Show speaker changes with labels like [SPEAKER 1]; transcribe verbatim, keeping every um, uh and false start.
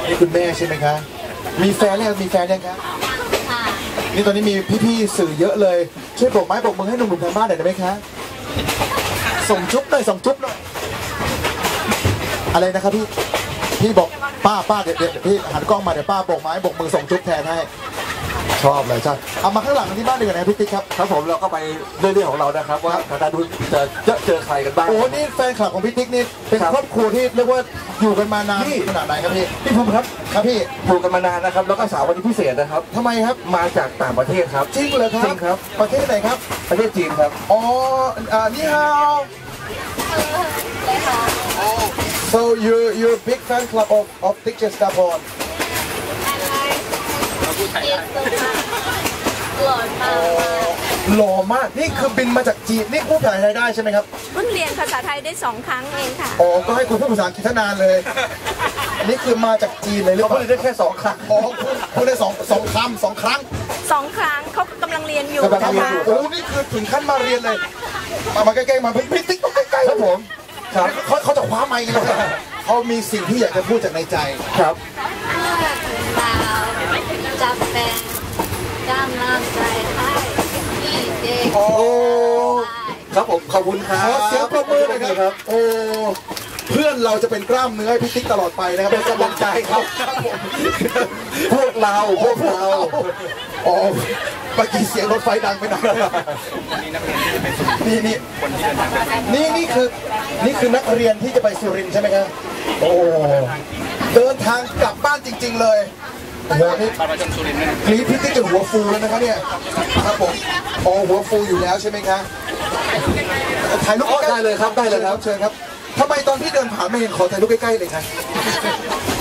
[SPEAKER 1] นี่คุณแม่ใช่ไหมคะมีแฟนแล้วมีแฟนยังคะนี่ตอนนี้มีพี่ๆสื่อเยอะเลยช่วยโบกไม้โบกมือให้หนุ่มๆทางบ้านหน่อยได้ไหมคะส่งจุ๊บหน่อยส่งจุ๊บหน่อยอะไรนะครับพี่พี่บอกป้าป้าเดี๋ยวเดี๋ยวพี่หันกล้องมาเดี๋ยวป้าโบกไม้โบกมือส่งจุ๊บแทนให้ชอบเลยใช่เอามาข้างหลังที่บ้านดีกว่านะพี่ติ๊กครับ
[SPEAKER 2] ครับผมเราก็ไปเรื่องของเรานะครับว่าทางด้านนู้นจะเจอเจอใครกันบ้าง
[SPEAKER 1] โอ้นี่แฟนคลับของพี่ติ๊กนี่เป็นครอบครัวที่เรียกว่าอยู่กันมานานขนาดไหนครับพี่
[SPEAKER 2] พี่ภูมิครับ
[SPEAKER 1] ครับพี่
[SPEAKER 2] อยู่กันมานานนะครับแล้วก็สาววันนี้พิเศษนะครับ
[SPEAKER 1] ทำไมครับ
[SPEAKER 2] มาจากต่างประเทศครับ
[SPEAKER 1] จริงเหรอครับ
[SPEAKER 2] จริงครับ
[SPEAKER 1] ประเทศไหนครับ
[SPEAKER 2] ประเทศจีนครับ
[SPEAKER 1] อ๋ออ่านี่ฮาว so you you big fan club of of Tik Jestapon
[SPEAKER 3] หล่อมาก
[SPEAKER 1] หล่อมากนี่คือบินมาจากจีนนี่พูดภาษาไทยได้ใช่ไหมครับ
[SPEAKER 3] เพิ่งเรียนภาษาไทยได้สองครั้งเองค่ะ
[SPEAKER 1] อ๋อก็ให้คุณพูดภาษาอังกฤษนานเลยนี่คือมาจากจีนเลยหรือเปล่า
[SPEAKER 2] พูดได้แค่สองครั้ง
[SPEAKER 1] อ๋อพูดได้สองสองคำสองครั้ง
[SPEAKER 3] สองครั้งเขากำลังเรียนอยู่
[SPEAKER 1] นะคะโอ้นี่คือถึงขั้นมาเรียนเลยมามาใกล้ๆมาพี่ติ๊กต้องใกล้ๆครับผมครับเขาเขาจะคว้าไมค์กันเลยเขามีสิ่งที่อยากจะพูดจากในใจ
[SPEAKER 2] ครับ
[SPEAKER 3] เราจะเป็นกำลังใจให้พี่เด็ก
[SPEAKER 1] โอ้
[SPEAKER 2] ครับผมขอบคุณครับ
[SPEAKER 1] ขอเสียงปรบมือหน่อยครับโอ้เพื่อนเราจะเป็นกล้ามเนื้อให้พี่ติ๊กตลอดไปนะครับเป็นกำลังใจครับ
[SPEAKER 2] พวกเราพวกเรา
[SPEAKER 1] อ๋อเมื่อกี้เสียงรถไฟดังไปหน่อยนี่นี่นี่นี่คือนี่คือนักเรียนที่จะไปสุรินทร์ใช่ไหมครับโอ้เดินทางกลับบ้านจริงๆเลยโอ้โหนี่กรี๊ดพี่ติ๊กจนหัวฟูแล้วนะครับเนี่ยครับผมอ๋อหัวฟูอยู่แล้วใช่ไหมครับถ่ายรูป
[SPEAKER 2] ได้เลยครับได้เลยครับ
[SPEAKER 1] เชิญครับทำไมตอนที่เดินผ่านไม่เห็นขอถ่ายรูปใกล้ๆเลยครับ